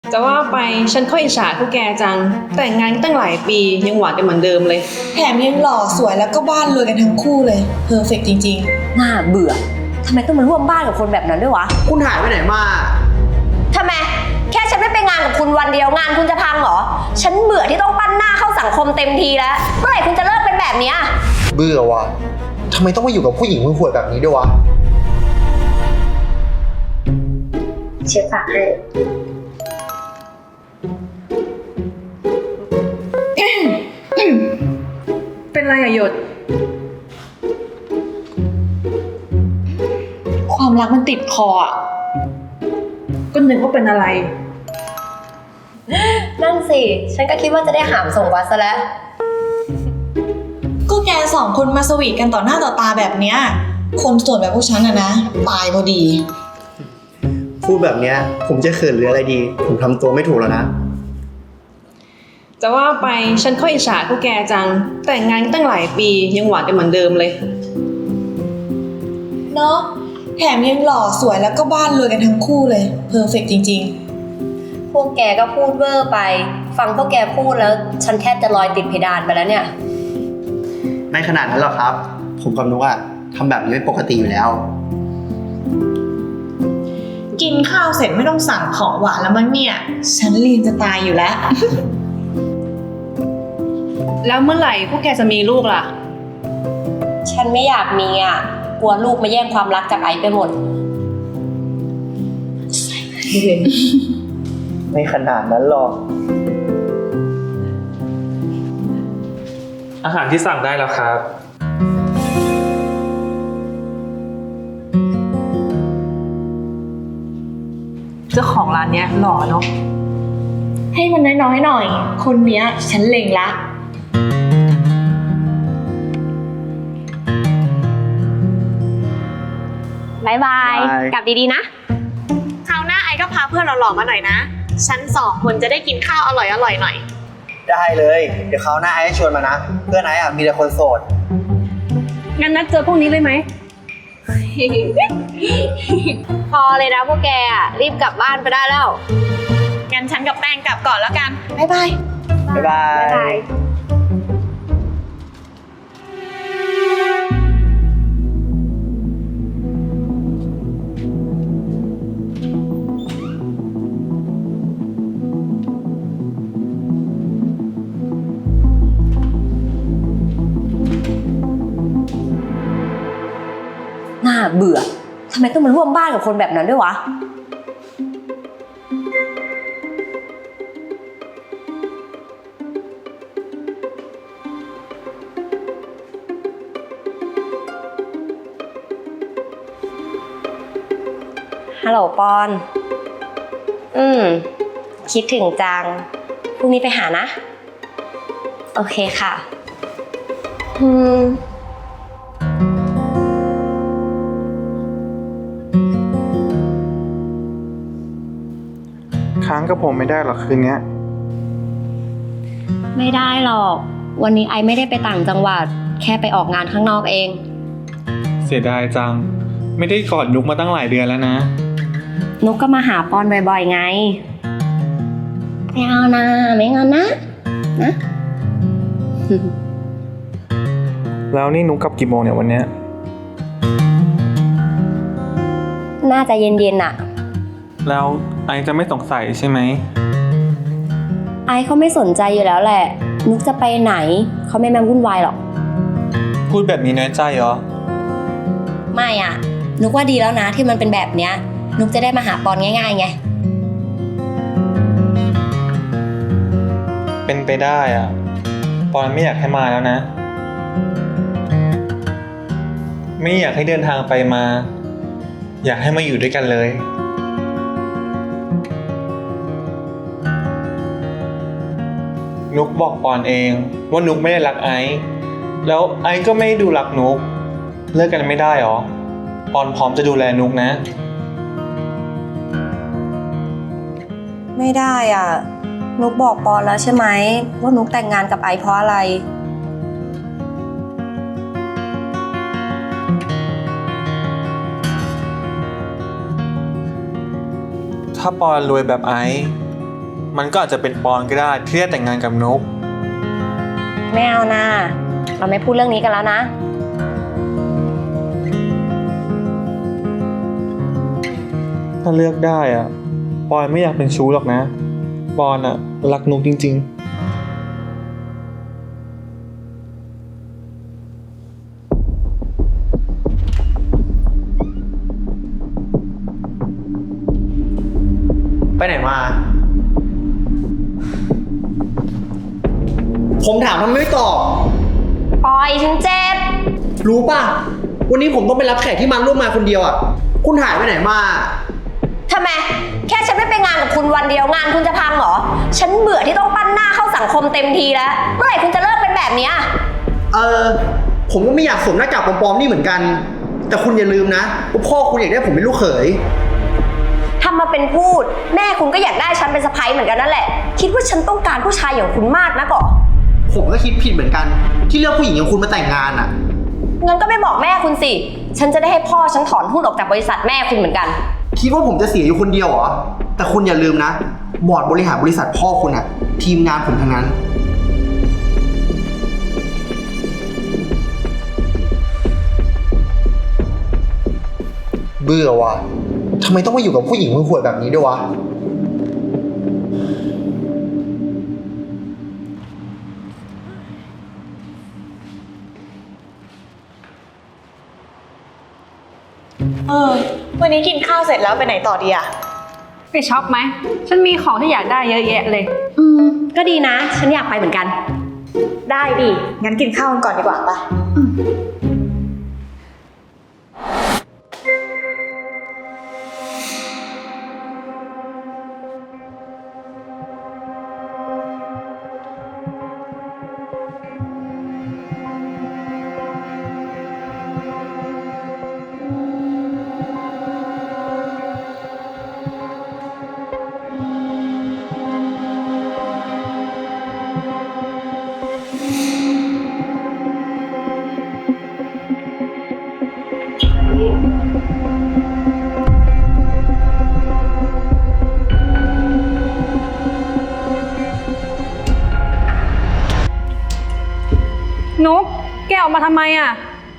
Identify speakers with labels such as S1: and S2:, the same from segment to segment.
S1: จะว่าไปฉันค่อยอิจฉาพวกแกจังแต่งงานตั้งหลายปียังหวานกันเหมือนเดิมเลย
S2: แถมยังหล่อสวยแล้วก็บ้านรวยกันทั้งคู่เลยเพอร์เฟกต์จริง
S3: น่าเบื่อทำไมต้องมาร่วมบ้านกับคนแบบนั้นด้วยวะ
S4: คุณหายไปไหนมา
S3: ทำไมแค่ฉันไม่ไปงานกับคุณวันเดียวงานคุณจะพังเหรอฉันเบื่อที่ต้องปั้นหน้าเข้าสังคมเต็มทีแล้วเมื่อไหร่คุณจะเลิกเป็นแบบนี้
S4: เบื่อว่ะทำไมต้องมาอยู่กับผู้หญิงห่วยๆแบบนี้ด้วยวะ
S3: เช็คฝากให้
S1: เป็นไรอะหยด
S2: ๆ ความรักมันติดคออ่ะ
S1: ก็นึกว่าเป็นอะไร
S3: นั่นสิฉันก็คิดว่าจะได้หามส่งวัดซะแล้ว
S2: ก็แกสองคนมาสวีทกันต่อหน้าต่อตาแบบเนี้ยคนส่วนแบบพวกฉันนะตายพอดี
S4: พูดแบบเนี้ยผมจะเขินหรืออะไรดีผมทำตัวไม่ถูกแล้วนะ
S1: จะว่าไปฉันค่อยอิจฉาพวกแกจังแต่งงานตั้งหลายปียังหวานกันเหมือนเดิมเลย
S2: เนาะแถมยังหล่อสวยแล้วก็บ้านรวยกันทั้งคู่เลยเพอร์เฟกต์จริง
S3: พวกแกก็พูดเวอร์ไปฟังพวกแกพูดแล้วฉันแทบจะลอยติดเพดานไปแล้วเนี่ย
S4: ไม่ขนาดนั้นหรอกครับผมกับนุกอะทำแบบนี้เป็นปกติอยู่แล้ว
S2: ๆกินข้าวเสร็จไม่ต้องสั่งของหวานแล้วมั้งเนี่ยฉันลีนจะตายอยู่แล้ว
S1: แล้วเมื่อไหร่พวกแกจะมีลูกล่ะ
S3: ฉันไม่อยากมีอ่ะกลัวลูกมาแย่งความรักจากไอซ์ไปหมด
S4: ไม่ขนาดนั้นหรอก
S5: อาหารที่สั่งได้แล้วครับ
S1: เจ้าของร้านเนี้ยหล่อเนาะ
S2: ให้มันน้อยๆหน่อยคนเนี้ยฉันเล็งละ
S3: บายบายกลับดีๆนะ
S2: คราวหน้าไอก็พาเพื่อนเราหล่อมาหน่อยนะฉันสองคนจะได้กินข้าวอร่อยหน่อย
S4: ได้เลยเดี๋ยวคราวหน้าไอ้ชวนมานะเพื่อนไอ้อะมีแต่คนโสด
S1: งั้นนัดเจอพวกนี้เลยไหม
S3: พอเลยนะพวกแกอ่ะรีบกลับบ้านไปได้แล้ว
S2: งั้นฉันกับแป้งกลับก่อนแล้วกันบ๊ายบาย
S4: บ๊ายบาย
S3: น่าเบื่อทำไมต้องมาร่วมบ้านกับคนแบบนั้นด้วยวะฮัลโหลปอนคิดถึงจังพรุ่งนี้ไปหานะโอเคค่ะ
S6: ค้างกับผมไม่ได้หรอกคืนนี้
S3: ไม่ได้หรอกวันนี้ไอไม่ได้ไปต่างจังหวัดแค่ไปออกงานข้างนอกเอง
S6: เสียดายจังไม่ได้กอดนุกมาตั้งหลายเดือนแล้วนะ
S3: นุกก็มาหาปอนบ่อยๆไงไม่เอานะไม่เอานะ
S6: แล้วนี่นุกกลับกี่โมงเนี่ยวันเนี้ย
S3: น่าจะเย็นๆน่ะ
S6: แล้วไอจะไม่สงสัยใช่ไหม
S3: ไอเขาไม่สนใจอยู่แล้วแหละนุกจะไปไหนเขาไม่มาวุ่นวายหรอก
S6: พูดแบบนี้น้อยใจเหรอ
S3: ไม่อ่ะนุกว่าดีแล้วนะที่มันเป็นแบบเนี้ยนุกจะได้มาหาปอนง่ายๆไง
S6: เป็นไปได้อ่ะปอนไม่อยากให้มาแล้วนะไม่อยากให้เดินทางไปมาอยากให้มาอยู่ด้วยกันเลยนุกบอกปอนเองว่านุกไม่ได้รักไอซ์แล้วไอซ์ก็ไม่ดูรักนุกเลิกกันไม่ได้หรอปอนพร้อมจะดูแลนุกนะ
S3: ไม่ได้อ่ะนุกบอกปอนแล้วใช่ไหมว่านุกแต่งงานกับไอซ์เพราะอะไร
S6: ถ้าปอนรวยแบบไอซ์มันก็อาจจะเป็นปอนก็ได้ที่ได้แต่งงานกับนุก
S3: ไม่เอานะเราไม่พูดเรื่องนี้กันแล้วนะ
S6: ถ้าเลือกได้อะปอนไม่อยากเป็นชู้หรอกนะ ปอนอะรักนุกจริงๆ
S4: ไปไหนมา ผมถามทำไมไม่ตอบ
S3: ปล่อยฉันเจ็บ
S4: รู้ป่ะ วันนี้ผมต้องไปรับแขกที่มาร่วมงานคนเดียวอ่ะ คุณหายไปไหนมา
S3: ทำไม แค่ฉันไม่ไปงานกับคุณวันเดียวงานคุณจะพังเหรอ ฉันเบื่อที่ต้องปั้นหน้าเข้าสังคมเต็มทีแล้ว เมื่อไหร่คุณจะเลิกเป็นแบบเนี้ย
S4: ผมก็ไม่อยากสวมหน้ากากปลอมๆนี่เหมือนกัน แต่คุณอย่าลืมนะว่าพ่อคุณอยากได้ผมเป็นลูกเขย
S3: ทำมาเป็นพูด แม่คุณก็อยากได้ฉันเป็นสะใภ้เหมือนกันนั่นแหละ คิดว่าฉันต้องการผู้ชายอย่างคุณมากนะก่อ
S4: ผมก็คิดผิดเหมือนกัน ที่เลือกผู้หญิงอย่างคุณมาแต่งงานอ่ะ
S3: งั้นก็ไปบอกแม่คุณสิ ฉันจะได้ให้พ่อฉันถอนหุ้นออกจากบริษัทแม่คุณเหมือนกัน
S4: คิดว่าผมจะเสียอยู่คนเดียวเหรอ แต่คุณอย่าลืมนะ บอร์ดบริหารบริษัทพ่อคุณอ่ะ ทีมงานผมทั้งนั้น เบื่อว่ะทำไมต้องมาอยู่กับผู้หญิงห่วยๆแบบนี้ด้วยวะ
S2: วันนี้กินข้าวเสร็จแล้วไปไหนต่อดีอะ
S1: ไปช็อปไหม ฉันมีของที่อยากได้เยอะแยะเลย
S3: ก็ดีนะ ฉันอยากไปเหมือนกัน
S2: ได้ดิ งั้นกินข้าวกันก่อนดีกว่าปะ
S1: นุกแกออกมาทำไมอ่ะ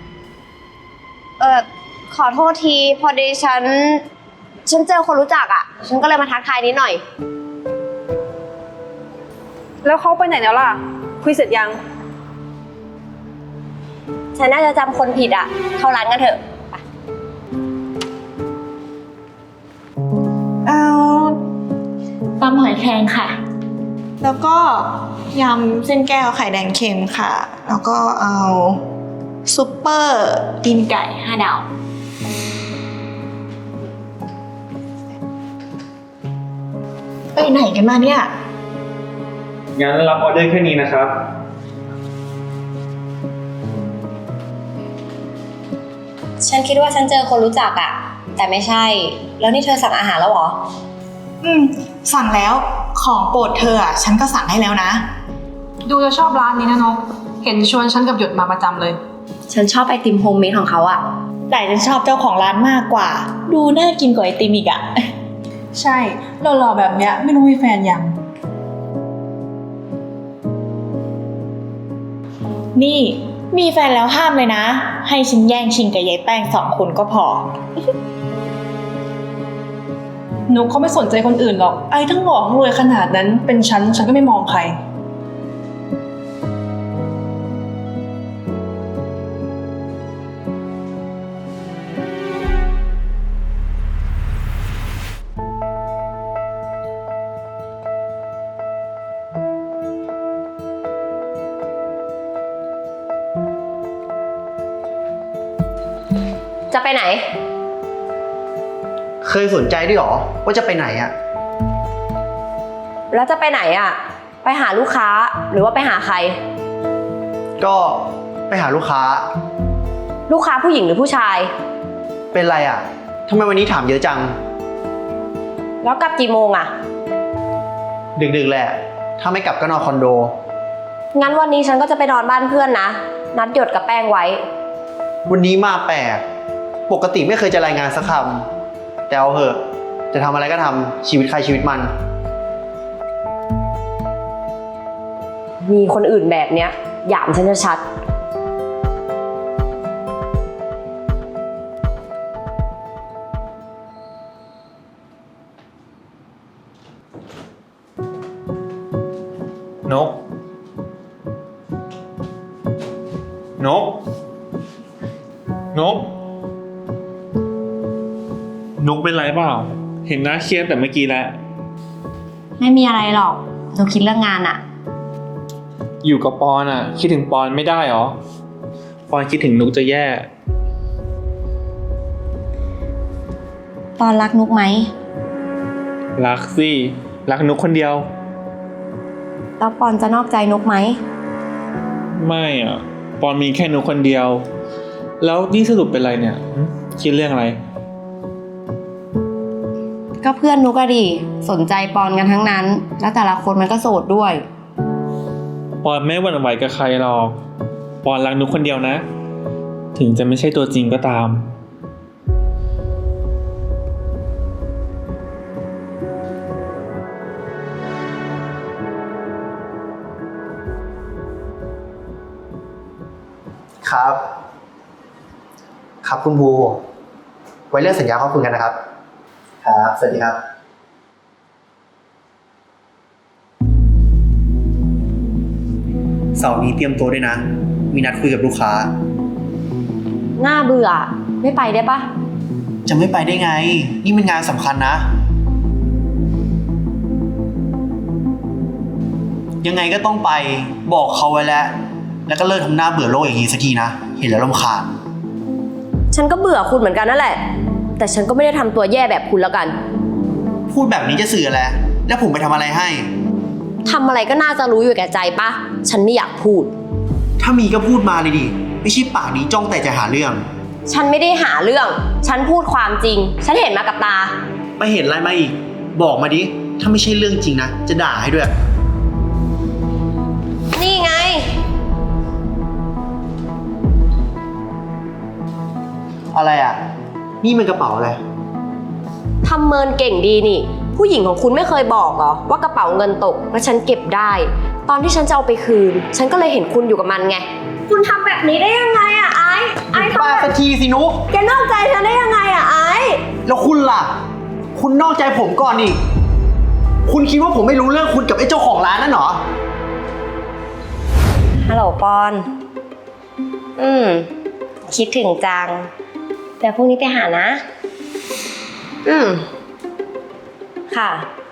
S3: ขอโทษที พอดีฉันเจอคนรู้จักอ่ะ ฉันก็เลยมาทักทายนิดหน่อย
S1: แล้วเขาไปไหนแล้วล่ะ คุยเสร็จยัง
S3: ฉันน่าจะจำคนผิดอ่ะ เข้าร้านกันเถอะ
S2: เอาตำหอยแครงค่ะ แล้วก็ยำเส้นแก้วไข่แดงเค็มค่ะ แล้วก็เอาซุปเปอร์ตีนไก่5 ดาว ไปไหนกันมาเนี่ย
S6: งั้นรับออเดอร์แค่นี้นะครับ
S3: ฉันคิดว่าฉันเจอคนรู้จักอ่ะ แต่ไม่ใช่ แล้วนี่เธอสั่งอาหารแล้วเหรอ
S2: สั่งแล้วของโปรดเธออ่ะ ฉันก็สั่งให้แล้วนะ
S1: ดูจะชอบร้านนี้นะนก เห็นชวนฉันกับหยดมาประจำเลย
S3: ฉันชอบไอติมโฮมเมดของเขาอ่ะ
S2: แต่ฉันชอบเจ้าของร้านมากกว่า ดูน่ากินกว่าไอติมอีกอ่ะ
S1: ใช่หล่อๆแบบเนี้ยไม่รู้มีแฟนยัง
S2: นี่มีแฟนแล้วห้ามเลยนะ ให้ฉันแย่งชิงกับยายแป้ง2 คนก็พอ
S1: นุกเขาไม่สนใจคนอื่นหรอก ไอ้ทั้งหล่อทั้งรวยขนาดนั้นเป็นฉันก็ไม่มองใคร
S3: จะไปไหน
S4: เคยสนใจด้วยเหรอว่าจะไปไหนอ่ะ
S3: แล้วจะไปไหนอ่ะ ไปหาลูกค้าหรือว่าไปหาใคร
S4: ก็ไปหาลูกค้า
S3: ลูกค้าผู้หญิงหรือผู้ชาย
S4: เป็นไรอ่ะทำไมวันนี้ถามเยอะจัง
S3: แล้วกลับกี่โมงอ่ะ
S4: ดึกๆแหละ ถ้าไม่กลับก็นอนคอนโด
S3: งั้นวันนี้ฉันก็จะไปนอนบ้านเพื่อนนะ นัดหยดกับแป้งไว้
S4: วันนี้มาแปลก ปกติไม่เคยจะรายงานสักคำแต่เอาเหอะ จะทำอะไรก็ทำชีวิตใครชีวิตมัน
S3: มีคนอื่นแบบเนี้ยหยามฉันชัด
S6: นก นก นก นกเป็นไรเปล่า เห็นหน้าเครียดแต่เมื่อกี้แล้ว
S3: ไม่มีอะไรหรอกเราคิดเรื่องงานอะ
S6: อยู่กับปอนอ่ะ คิดถึงปอนไม่ได้หรอ ปอนคิดถึงนุกจะแย่
S3: ปอนรักนุกไหม
S6: รักสิ รักนุกคนเดียว
S3: แล้วปอนจะนอกใจนุกไหม
S6: ไม่อ่ะ ปอนมีแค่นุกคนเดียว แล้วนี่สรุปเป็นไรเนี่ยคิดเรื่องอะไร
S3: ก็เพื่อนนุกอะดิสนใจปอนกันทั้งนั้น แล้วแต่ละคนมันก็โสดด้วย
S6: ปอนไม่หวั่นไหวกับใครหรอก ปอนรักนุกคนเดียวนะ ถึงจะไม่ใช่ตัวจริงก็ตาม
S4: ครับ ครับคุณภูไว้เรื่องสัญญาเขาคุยกันนะครับ ครับ สวัสดีครับ เสาร์นี้เตรียมตัวด้วยนะ มีนัดคุยกับลูกค้า
S3: น่าเบื่อ ไม่ไปได้ปะ
S4: จะไม่ไปได้ไง นี่มันงานสำคัญนะ ยังไงก็ต้องไป บอกเขาไว้แล้ว แล้วก็เลิกทำหน้าเบื่อโลกอย่างนี้สักทีนะ เห็นแล้วรำคาญ
S3: ฉันก็เบื่อคุณเหมือนกันนั่นแหละ แต่ฉันก็ไม่ได้ทำตัวแย่แบบคุณแล้วกัน
S4: พูดแบบนี้จะสื่ออะไร แล้วผมไปทำอะไรให้
S3: ทำอะไรก็น่าจะรู้อยู่แก่ใจปะ ฉันไม่อยากพูด
S4: ถ้ามีก็พูดมาเลยดิ ไม่ใช่ปากนี้จ้องแต่จะหาเรื่อง
S3: ฉันไม่ได้หาเรื่อง ฉันพูดความจริง ฉันเห็นมากับตา
S4: ไปเห็นอะไรมาอีก บอกมาดิ ถ้าไม่ใช่เรื่องจริงนะ จะด่าให้ด้วย
S3: นี่ไง
S4: อะไรอ่ะ นี่มันกระเป๋าอะไร
S3: ทำเมินเก่งดีนี่ ผู้หญิงของคุณไม่เคยบอกเหรอว่ากระเป๋าเงินตกแล้วฉันเก็บได้ ตอนที่ฉันจะเอาไปคืน ฉันก็เลยเห็นคุณอยู่กับมันไง คุณทำแบบนี้ได้ยังไงอะไอ้ทำ
S4: ป้า
S3: แบบ
S4: สักทีสินุก
S3: แกนอกใจฉันได้ยังไงอะไอ้
S4: แล้วคุณล่ะ คุณนอกใจผมก่อนอีก คุณคิดว่าผมไม่รู้เรื่องคุณกับไอ้เจ้าของร้านนั่นเหรอ
S3: ฮัลโหลปอน คิดถึงจัง แต่พรุ่งนี้ไปหานะ ค่ะ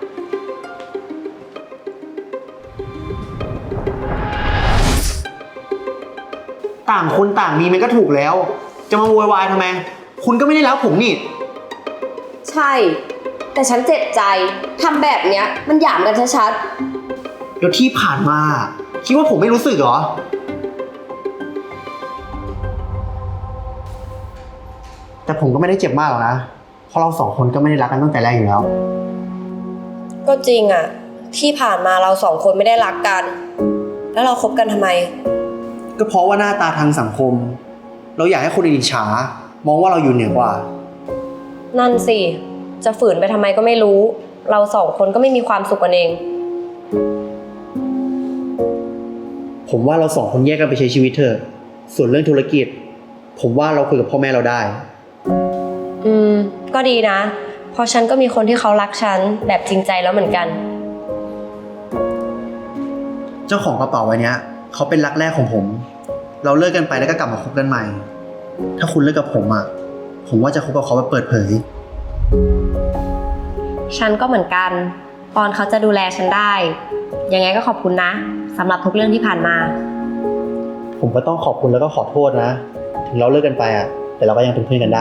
S4: ต่างคนต่างมีมันก็ถูกแล้ว จะมาโวยวายทำไม คุณก็ไม่ได้รักผมนี่
S3: ใช่ แต่ฉันเจ็บใจ ทำแบบเนี้ย มันหยามกันชัด
S4: เดี๋ยวที่ผ่านมา คิดว่าผมไม่รู้สึกเหรอ แต่ผมก็ไม่ได้เจ็บมากหรอกนะ เพราะเราสองคนก็ไม่ได้รักกันตั้งแต่แรกอยู่แล้ว
S3: ๆ ก็จริงอะที่ผ่านมาเราสองคนไม่ได้รักกัน แล้วเราคบกันทำไม
S4: ก็เพราะว่าหน้าตาทางสังคม เราอยากให้คนอื่นอิจฉา มองว่าเราอยู่เหนือกว่า
S3: นั่นสิ จะฝืนไปทำไมก็ไม่รู้ เราสองคนก็ไม่มีความสุขกันเอง
S4: ผมว่าเราสองคนแยกกันไปใช้ชีวิตเถอะ ส่วนเรื่องธุรกิจ ผมว่าเราคุยกับพ่อแม่เราได้
S3: ก็ดีนะ เพราะฉันก็มีคนที่เขารักฉันแบบจริงใจแล้วเหมือนกัน
S4: เจ้าของกระเป๋าใบเนี้ยเขาเป็นรักแรกของผม เราเลิกกันไปแล้วก็กลับมาคบกันใหม่ ถ้าคุณเลิกกับผมอ่ะ ผมว่าจะคบกับเขาแบบเปิดเผย
S3: ฉันก็เหมือนกัน ปอนเขาจะดูแลฉันได้ ยังไงก็ขอบคุณนะสำหรับทุกเรื่องที่ผ่านมา
S4: ผมก็ต้องขอบคุณแล้วก็ขอโทษนะ ถึงเราเลิกกันไปอ่ะ แต่เราก็ยังเป็นเพื่อนกันได้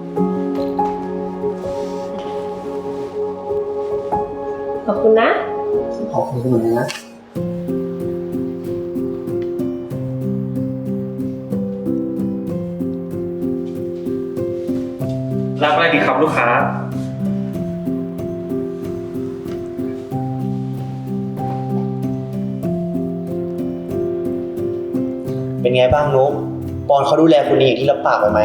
S3: ขอบคุณนะ
S4: ขอบคุณเหมือนกันนะ
S6: รับอะไรดีครับลูกค้า
S4: เป็นไงบ้างนุ๊กปอนเขาดูแลคุณดีอย่างที่รับปากไว้ไหม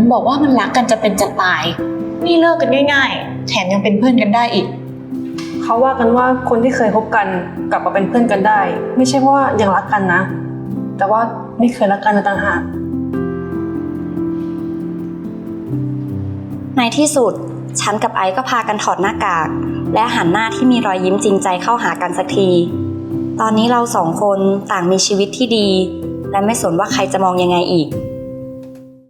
S2: มันบอกว่ามันรักกันจะเป็นจะตาย นี่เลิกกันง่ายๆ แถมยังเป็นเพื่อนกันได้อีก
S1: เขาว่ากันว่าคนที่เคยคบกันกลับมาเป็นเพื่อนกันได้ ไม่ใช่ว่ายังรักกันนะ แต่ว่าไม่เคยรักกันเลยต่างหาก
S5: ในที่สุดฉันกับไอซ์ก็พากันถอดหน้ากาก และหันหน้าที่มีรอยยิ้มจริงใจเข้าหากันสักที ตอนนี้เราสองคนต่างมีชีวิตที่ดี และไม่สนว่าใครจะมองยังไงอีก